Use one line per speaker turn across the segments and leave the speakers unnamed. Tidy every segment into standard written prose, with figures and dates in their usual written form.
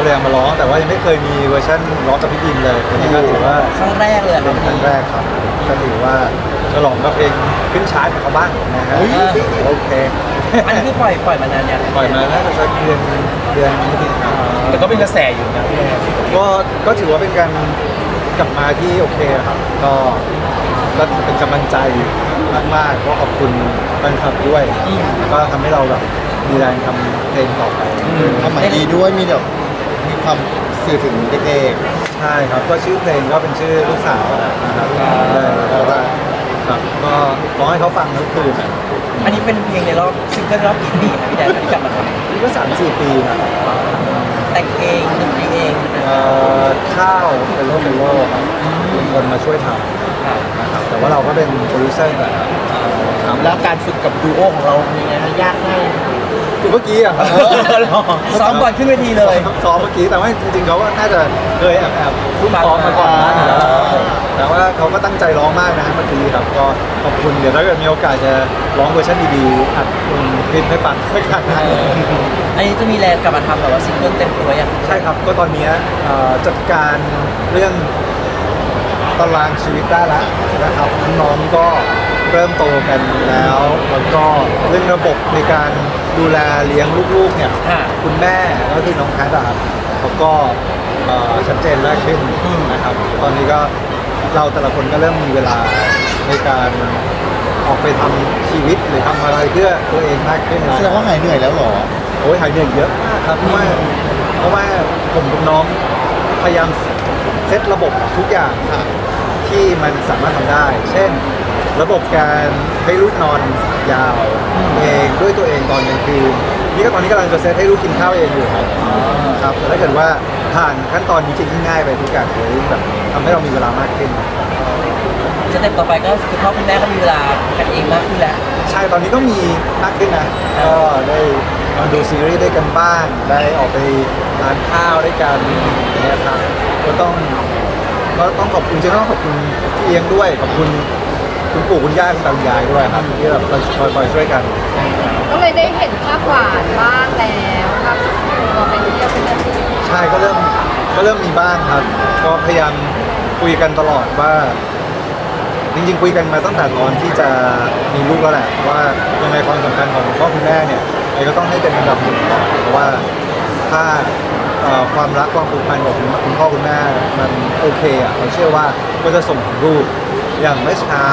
เลยเอามาร้องแต่ว่ายังไม่เคยมีเวอร์ชันร้องกับพี่บินเลยอันนี้ก็ถือว่า
ครั้งแรกเลย
เป็นครั้งแรกครับก็ถือว่าฉลองกับเพลงขึ้นชาร์ตกับเขาบ้างนะฮะโอเค
อันนี้คือปล่อยมานานยัง
ปล่อยมาน่าจะสักเดือนนิดๆครับ
แต่ก็เป็นกระแสอยู่นะพี่แอน
ก็ถือว่าเป็นการกลับมาที่โอเคครับก็เป็นกำลังใจมากๆก็ขอบคุณแฟนคลับด้วยก็ทำให้เราแบบมีแรงทำเพลงต่อไป
ความหมายดีด้วยมีแบบมีความสื่อถึงเด็ก
ใช่ครับก็ชื่อเพลงก็เป็นชื่อลูกสาวนะครับแล้วก็ครับก็ร้องให้เขาฟังทั้งคืน
อันนี้เป็นเพลงในรอบซิงเกิลรอบกี่ปีครับพี่แดนที่กลับมาทำ
นี่ก็3-4 ปีครับ
แต่งเองดนตรีเอง
ข้าวเป็นโลครับเป็นคนมาช่วยทำนะครับแต่ว่าเราก็เป็นโปรดิวเซอร์แบบครับ
แล้วการฝึกกับดูโอของเราเป็นยังไงฮะยากง่าย
คือเมื่อกี้อ่ะ
ซ้อมก่อนขึ้นเวทีเลย
ซ้อมเมื่อกี้แต่ว่าจริงๆเขาก็น่าจะเคยแอบซุ่มซ้อมมาก่อนนะแต่ว่าเขาก็ตั้งใจร้องมากนะเมื่อกี้ครับก็ขอบคุณเดี๋ยวถ้าเกิดมีโอกาสจะร้องเวอร์ชันดีๆอัดคลิปให้ฟังด้วยกันนะ
อันนี้จะมีแรงกลับมาทำแบบว่าซิงเกิลเต็มตัวยัง
ใช่ครับก็ตอนนี้จัดการเรื่องตารางชีวิตได้แล้วนะครับน้องๆก็เริ่มโตกันแล้วแล้วก็เรื่องระบบในการดูแลเลี้ยงลูกๆเนี่ยคุณแม่ก็คือน้องแพทย์อะครับเขาก็ชัดเจนมากขึ้นนะครับตอนนี้ก็เราแต่ละคนก็เริ่มมีเวลาในการออกไปทำชีวิตหรือทำอะไรเพื่อตัวเองมากขึ้น
ๆแสดงว่าหายเหนื่อยแล้วเหรอ
โอ้ยหายเหนื่อยเยอะมากครับเพราะว่าผมกับน้องพยายามเซตระบบทุกอย่างที่มันสามารถทำได้ เช่น ระบบการให้ลูกนอนยาวเองด้วยตัวเองตอนกลางคืนนี่ก็ตอนนี้กำลังจะเซตให้ลูกกินข้าวเองอยู่ครับแต่ถ้าเกิดว่าผ่านขั้นตอนนี้จริงง่ายไปทุกอย่างเลยแบบทำให้เรามีเวลามากขึ้น
สเต็ปต่อไปก็คุณพ่อคุณแม่ก็มีเวลากันเองมากขึ้นแล้ว
ใช่ตอนนี้ก็มีมากขึ้นนะก็ได้มาดูซีรีส์ด้วยกันบ้างได้ออกไปทานข้าวด้วยกันอย่างเงี้ยครับก็ต้องขอบคุณจริงๆต้องขอบคุณพี่เลี้ยงด้วยขอบคุณคุณปู่คุณย่าคุณตาคุณยายด้วยครับที่แบบคอยช่วยกัน
ก็เลยได้เห็นภาพหวานบ้างแล้วภาพสุดตัวไปเที่ยวเป็นอะไรที่
ใช่ก็เริ่มมีบ้างครับ ก็พยายามคุยกันตลอดว่าจริงๆคุยกันมาตั้งแต่ตอนที่จะมีลูกแล้วแหละว่ายังไงความสำคัญของคุณพ่อคุณแม่เนี่ยไอ้ก็ต้องให้เป็นอันดับหนึ่งก่อนเพราะว่าถ้าความรักความผูกพันของคุณพ่อคุณแม่มันโอเคอ่ะเราเชื่อว่าก็จะส่งถึงลูกอย่างเมื่อเช้า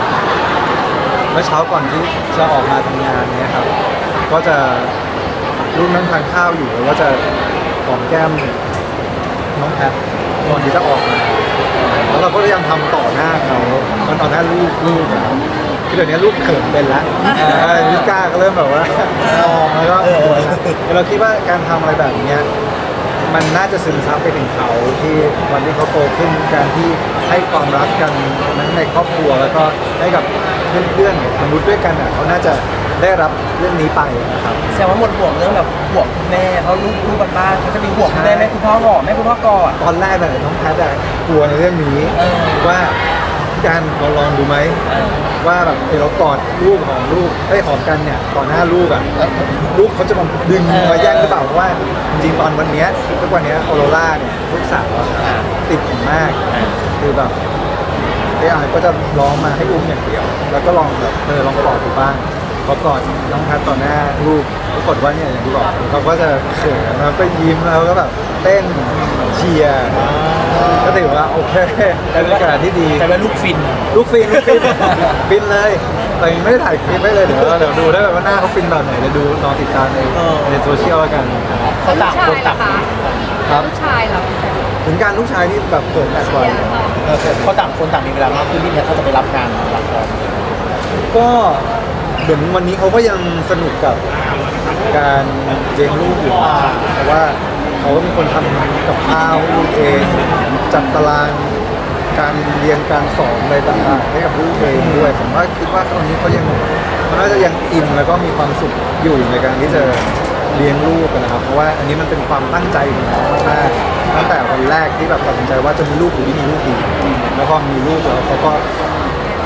ก่อนที่จะออกมาทำงานเนี่ยครับก็จะลูกนั่งทานข้าวอยู่แล้วก็จะหอมแก้มน้องแพทก่อนที่จะออกมาแล้วเราก็พยายามทำต่อหน้าเขามันต่อหน้าลูกอะคือเดี๋ยวนี้ลูกเขินเป็นแล้วลูกกล้าก็เริ่มแบบว่ามองแล้วก็เราคิดว่าการทำอะไรแบบเนี้ยมันน่าจะซึมซับไปถึงเขาที่วันที่เขาโตขึ้นการที่ให้ความรักกันทั้งในครอบครัวแล้วก็ให้กับเพื่อนๆมนุษย์ด้วยกันอ่ะเขาน่าจะได้รับเรื่องนี้ไปนะครับ
แสดงว่าหมดห่วงเรื่องแบบห่วงคุณแม่เพราะลูกบ้านเขาจะมีห่วงคุณแม่แม่คุณพ่อหอมแม่คุณพ่อกอด
ตอนแรกน้องแพทย์กลัวในเรื่องนี้ ว่าการเราลองดูไหมว่าแบบเรากอดลูกของลูกได้หอมกันเนี่ยต่อหน้าลูกอ่ะลูกเขาจะมาดึงมาแย่งหรือเปล่าเพราะว่าจริงๆตอนวันเนี้ยทุกวันเนี้ยออโรร่าเนี่ยลูกสาวอะติดผมมากคือแบบไอ้อายก็จะร้องมาให้อุ้มอย่างเดียว แล้วก็ลองแบบลองกอดดูบ้างพอกอดน้องแพทต่อหน้าลูกปรากฏว่าเนี่ยอย่างที่บอกเขาก็จะเขินแล้วก็ยิ้มแล้วก็แบบเต้นเชียร์ก็ถือว่าโอเคเป็นบรรยากาศที่ดี
แต่ว่าลูกฟิน
ลูกฟินฟินเลยแต่ยังไม่ได้ถ่ายคลิปไว้เลยเดี๋ยวดูได้แบบว่าหน้าเขาฟินแบบไหนเดี๋ยวดูรอติดตามในโซเชียลแล้วกัน
เขาต่างคนต่าง
ครับ
ลูกชายเหรอ
ถึงการลูกชายนี่แบบเขินหนักกว่า
เขาต่างคนต่างมีเวลามากขึ้นที่แพทย์เขาจะไปรับงานละคร
ก็เหมือนวันนี้เขาก็ยังสนุกกับการเลี้ยงลูกอยู่เพราะว่าเขาก็เป็นคนทำกับข้าวให้ลูกเองจัดตารางการเรียนการสอนอะไรต่างๆให้กับลูกเองด้วยผมว่าคิดว่าตอนนี้เขาน่าจะยังอินแล้วก็มีความสุขอยู่ในการที่จะเลี้ยงลูกนะครับเพราะว่าอันนี้มันเป็นความตั้งใจของเขามากๆตั้งแต่วันแรกที่แบบตัดสินใจว่าจะมีลูกหรือไม่มีลูกดีแล้วพอมีลูกแล้วเขาก็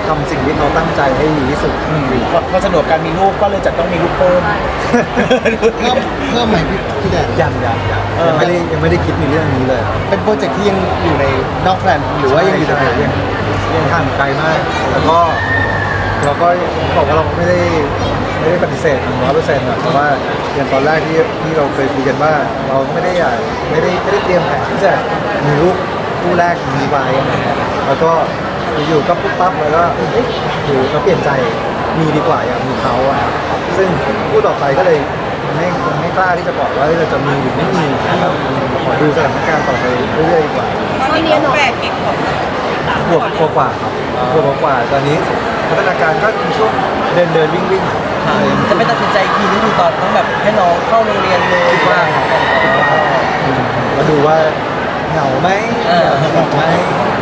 ทำสิ่งที่เขาตั้งใจให้ดีที่สุด
พอสะดวกการมีลูกก็เลยจะต้องมีลูกเพิ่ม
เพิ่มไหมพี่แดน
ยังไม่ได้คิดในเรื่องนี้เลยครับ
เป็นโปรเจกต์ที่ยังอยู่ในนอกแพลนหรือว่ายังอยู่ในแพลน
ยังห่างไกลมาก แล้วก็เราก็บอกว่าเราไม่ได้ปฏิเสธ100%นะเพราะว่าอย่างตอนแรกที่เราเคยคุยกันว่าเราไม่ได้เตรียมแผนที่จะมีลูกคู่แรกมีไว้นะฮะแล้วก็อยู่ๆก็ปุ๊บปั๊บแล้วก็อยู่ก็เปลี่ยนใจมีดีกว่าอยากมีเขาอะครับซึ่งคู่ต่อไปก็เลยไม่กล้าที่จะบอกว่าเราจะมีหรือไม่มีนะครับขอดูสถานการณ์ต่อไปเรื่อยๆดีกว่า
ตอนนี้หนู
ขวบกว่าครับขวบกว่าตอนนี้พัฒนาการก็มีช่วงเดินวิ่งอะไรอย่างเงี้ย
จะไม่ตัดสินใจอีกทีนึงคือตอนต้องแบบให้น้องเข้าโรงเรียนเลย
คิดว่ามาดูว่าเหงาไหมเหงาไหม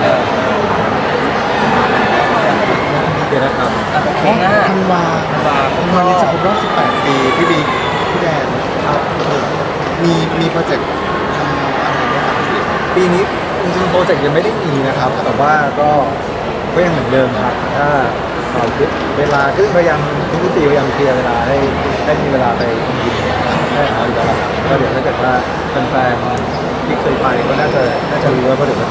เดี๋ยวนะครับ
โอเคนะ
ธันวานี้จะครบรอบ 18 ปีพี่บิ๊กพี่แดน
ครับ
มีโปรเจกต์ทำอะไรไหมครับ
ปีนี้จริงๆโปรเจกต์ยังไม่ได้มีนะครับ แต่ว่าก็ยังเหมือนเดิมครับถ้าเราคิดเวลาคือพยายามทุกปีพยายามเคลียร์เวลาให้ได้มีเวลาไปยิมได้เอาอยู่แล้วครับก็เดี๋ยวถ้าเกิดว่าแฟนๆที่เคยไปก็น่าจะรู้ว่าเดี๋ยวจะ